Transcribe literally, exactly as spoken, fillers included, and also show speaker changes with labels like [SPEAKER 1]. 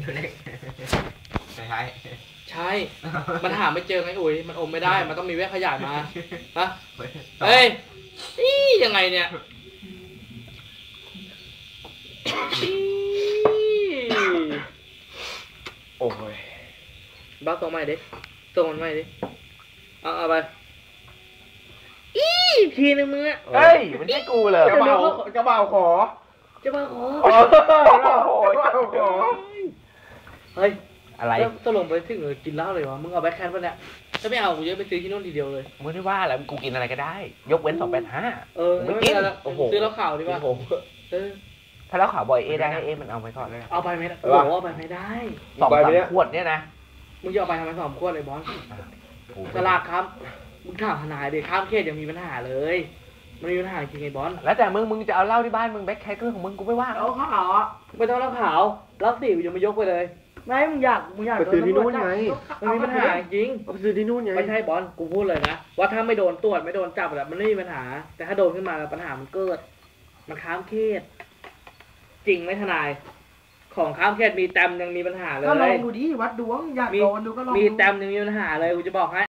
[SPEAKER 1] เล็กใช่ใช่
[SPEAKER 2] ใช่มันหาไม่เจอไงอุ๋ยมันอมไม่ได้มันต้องมีแว่นขยายมาฮะเฮ้ยอียังไงเนี่ย
[SPEAKER 3] โอ้ย
[SPEAKER 2] บ้าตัวใหม่ดิตัวมันใหม่ดิเอาเอาไปอีทีนึงมึงอะ
[SPEAKER 3] เฮ้ยมันใช่กูเลย
[SPEAKER 1] กระเป๋ากระเป๋าขอ
[SPEAKER 2] จะมาขอ
[SPEAKER 3] โอ้โห
[SPEAKER 2] เฮ้ย
[SPEAKER 3] อะไร
[SPEAKER 2] ตกลงไปถึงเลยกินเหล้าเลยวะมึงเอาแบ็คแคนปะเนี่ยถ้าไม่เอากูจะไปซื้อที่นู่นทีเดียวเลย
[SPEAKER 3] ไม่ได้ว่าแล้วกูกินอะไรก็ได้ยกเว้นสองแปดห้า
[SPEAKER 2] เออไม่กินโอ้โหซื้อเหล้าขาวดีกว่าเออ
[SPEAKER 3] ถ้าเหล้าขาวบ่อยเอได้เอมันเอาไปก่อนเลย
[SPEAKER 2] เอาไปไม่ได้โอ้โหเอาไปไม่ได้
[SPEAKER 3] สองสามขวดเนี่ยนะ
[SPEAKER 2] มึงจะเอาไปทำไมสองขวดเลยบอสตลาดครับมึงถามทนายดิข้ามเขตยังมีปัญหาเลยมันมีปัญหาจริงไอ้บอส
[SPEAKER 3] แล้วแต่มึงมึงจะเอาเหล้าที่บ้านมึงแบ็คแคทก็เรื่องของมึงกูไม่ว่า
[SPEAKER 2] เหล้าขาวอ่ะไม่ต้องเหล้าขาวเหล้าสีกูยังไม่ยกไปเลยไม่มึงอยากมึงอยาก
[SPEAKER 1] ไปซื้อที่นู่นไง
[SPEAKER 2] มันมีปัญหาจริง
[SPEAKER 1] ไปซื้อที่นู่นไง
[SPEAKER 2] ไม่ใช่บอสกูพูดเลยนะว่าถ้าไม่โดนตรวจไม่โดนจับแบบมันไม่มีปัญหาแต่ถ้าโดนขึ้นมาปัญหามันเกิดมันข้ามเขตจริงไหมทนายของข้ามเขตมีแต้มยังมีปัญหาเลย
[SPEAKER 4] ก็ลองดูดิวัดดวงอยากโดนดูก็ลอง
[SPEAKER 2] มีแต้มยังมีปัญหาเลยกูจะบอกให้